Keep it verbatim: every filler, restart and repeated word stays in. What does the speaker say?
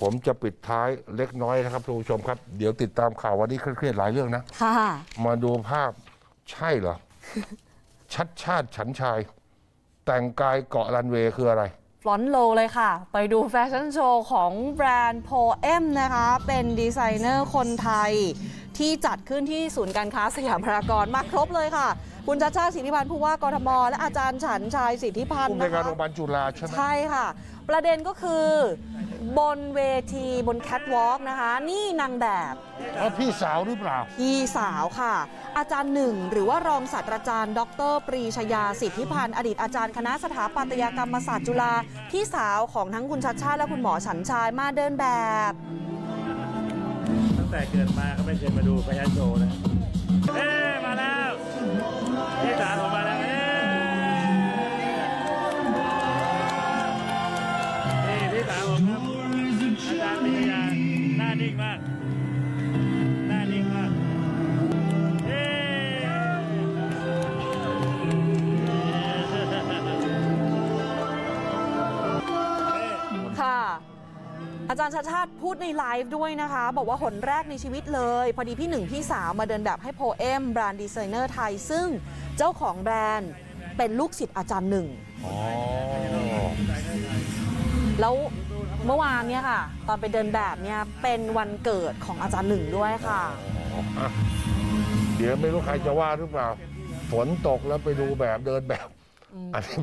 ผมจะปิดท้ายเล็กน้อยนะครับทุกผู้ชมครับเดี๋ยวติดตามข่าววันนี้เครียดๆหลายเรื่องนะค่ะมาดูภาพใช่เหรอ ชัดชาติฉันชาย แต่งกายเกาะรันเวย์คืออะไรฟลอนโลเลยค่ะ ไปดูแฟชั่นโชว์ของแบรนด์โพเอมนะคะ เป็นดีไซเนอร์คนไทยที่จัดขึ้นที่ศูนย์การค้าสยามพารากอนมาครบเลยค่ะ คุณชัชชาติสิทธิพันธ์ผู้ว่ากทมและอาจารย์ฉันชายสิทธิพันผู้ธ์ในนะการคะโรงพยาบาลจุฬาใช่ไหมใช่ค่ะ ประเด็นก็คือบนเวทีบนแคทวอล์กนะคะ นี่นางแบบอ๋อพี่สาวหรือเปล่าพี่สาวค่ะ อาจารย์หนึ่งหรือว่ารองศาสตราจารย์ ดรปรีชยาสิทธิพันธ์อดีตอาจารย์คณะสถาปัตยกรรมศาสตร์จุฬาพี่สาวของทั้งคุณชัชชาติและคุณหมอฉันชายมาเดินแบบตั้งแต่เกิดมาก็ไม่เคยมาดูแฟชั่นโชว์นะเอ๊มาแล้วพี่สาวผมมาแล้วเอ๊นี่พี่สาวผมครับอาจารย์ปริยาหน้านิ่งมากหน้านิ่งมากเอ๊ค่ะ อาจารย์ชัชชาติพูดในไลฟ์ด้วยนะคะ บอกว่าหนแรกในชีวิตเลย พอดีพี่หนึ่งพี่สาวมาเดินแบบให้โพเอมแบรนด์ดีไซเนอร์ไทย ซึ่งเจ้าของแบรนด์เป็นลูกศิษย์อาจารย์หนึ่งอ๋อแล้วเมื่อวานเนี่ยค่ะ ตอนไปเดินแบบเนี่ยเป็นวันเกิดของอาจารย์หนึ่งด้วยค่ะอ่ะเดี๋ยวไม่รู้ใครจะว่าหรือเปล่า ฝนตกแล้วไปดูแบบเดินแบบอันนี้